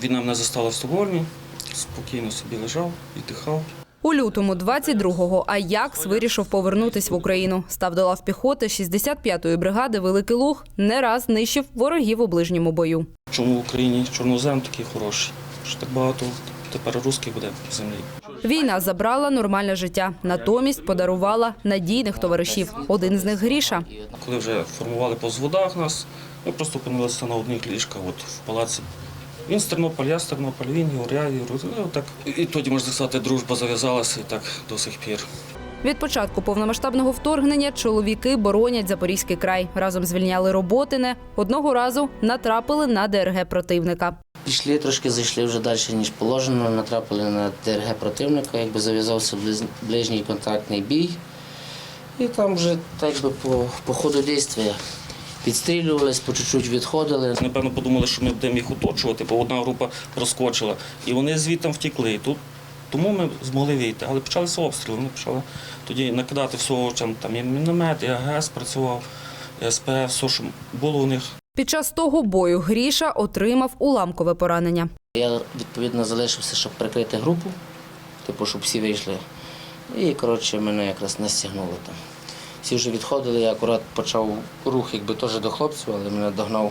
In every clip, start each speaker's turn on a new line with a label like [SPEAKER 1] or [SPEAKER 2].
[SPEAKER 1] Війна мене застала в Стокгольмі, спокійно собі лежав, віддихав.
[SPEAKER 2] У лютому 22-го Аякс вирішив повернутись в Україну. Став до лав піхоти 65-ї бригади «Великий Луг», не раз нищив ворогів у ближньому бою.
[SPEAKER 1] Чому в Україні чорнозем такий хороший? Що так багато тепер русських буде в землі.
[SPEAKER 2] Війна забрала нормальне життя, натомість подарувала надійних товаришів. Один з них – Гріша.
[SPEAKER 1] Коли вже формували по взводах нас, ми просто опинилися на одних ліжках в палаці. Він з Тернополя, я з Тернополя, він я. Так. І тоді, можна сказати, дружба зав'язалася і так до сих пір.
[SPEAKER 2] Від початку повномасштабного вторгнення чоловіки боронять Запорізький край. Разом звільняли Роботине. Одного разу натрапили на ДРГ противника.
[SPEAKER 3] Пішли, трошки зайшли вже далі, ніж положено, натрапили на ДРГ противника, якби зав'язався ближній контактний бій. І там вже так би по ходу дійства підстрілювались, по чуть-чуть відходили.
[SPEAKER 1] Напевно, подумали, що ми будемо їх оточувати, бо одна група розкочила. І вони звідти втекли. Тому ми змогли вийти. Але почалися обстріли. Вони почали тоді накидати всього, там і міномет, і АГС працював, і СП, все, що було у них.
[SPEAKER 2] Під час того бою Гріша отримав уламкове поранення.
[SPEAKER 3] Я, відповідно, залишився, щоб прикрити групу, щоб всі вийшли. І, коротше, мене якраз настягнуло там. Всі вже відходили, я акурат почав рух, якби теж до хлопців, але мене догнав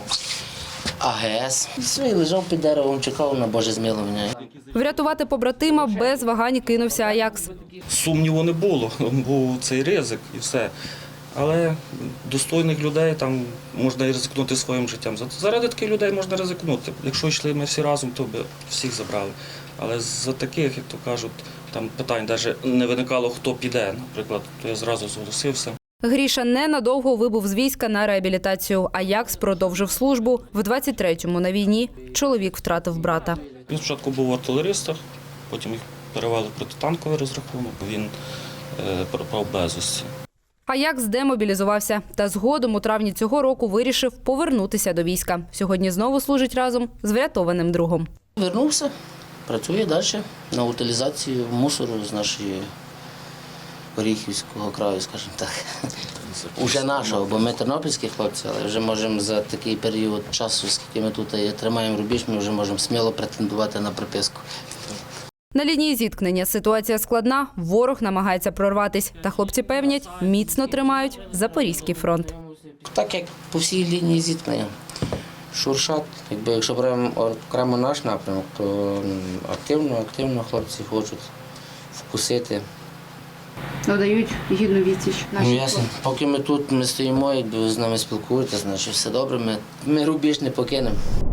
[SPEAKER 3] АГС. І все, і лежав під деревом, чекав на Боже змилування.
[SPEAKER 2] Врятувати побратима без вагань кинувся Аякс.
[SPEAKER 1] Сумніву не було, був цей ризик і все. Але достойних людей там можна і ризикнути своїм життям. Заради таких людей можна ризикнути. Якщо йшли ми всі разом, то б всіх забрали. Але за таких, як то кажуть, там питань навіть не виникало, хто піде. Наприклад, то я зразу зголосився.
[SPEAKER 2] Гріша ненадовго вибув з війська на реабілітацію. Аякс продовжив службу. В 23-му на війні чоловік втратив брата.
[SPEAKER 1] Він спочатку був в артилеристах, потім їх перевели в протитанковий розрахунок. Він пропав безвісті.
[SPEAKER 2] Аякс демобілізувався та згодом у травні цього року вирішив повернутися до війська. Сьогодні знову служить разом з врятованим другом.
[SPEAKER 3] Вернувся, працює далі на утилізацію мусору з нашої Оріхівського краю, скажімо так. Уже нашого, бо ми тернопільські хлопці, але вже можемо за такий період часу, скільки ми тут тримаємо рубіж, ми вже можемо сміло претендувати на приписку.
[SPEAKER 2] На лінії зіткнення ситуація складна, ворог намагається прорватись. Та хлопці певнять, міцно тримають Запорізький фронт.
[SPEAKER 3] Так як по всій лінії зіткнення. Шуршат, якщо беремо окремо наш напрямок, то активно хлопці хочуть вкусити.
[SPEAKER 4] Надають гідну відсіч нашій
[SPEAKER 3] Ясно. Поки ми тут стоїмо, якби ви з нами спілкуєтеся, значить все добре, ми рубіж не покинемо.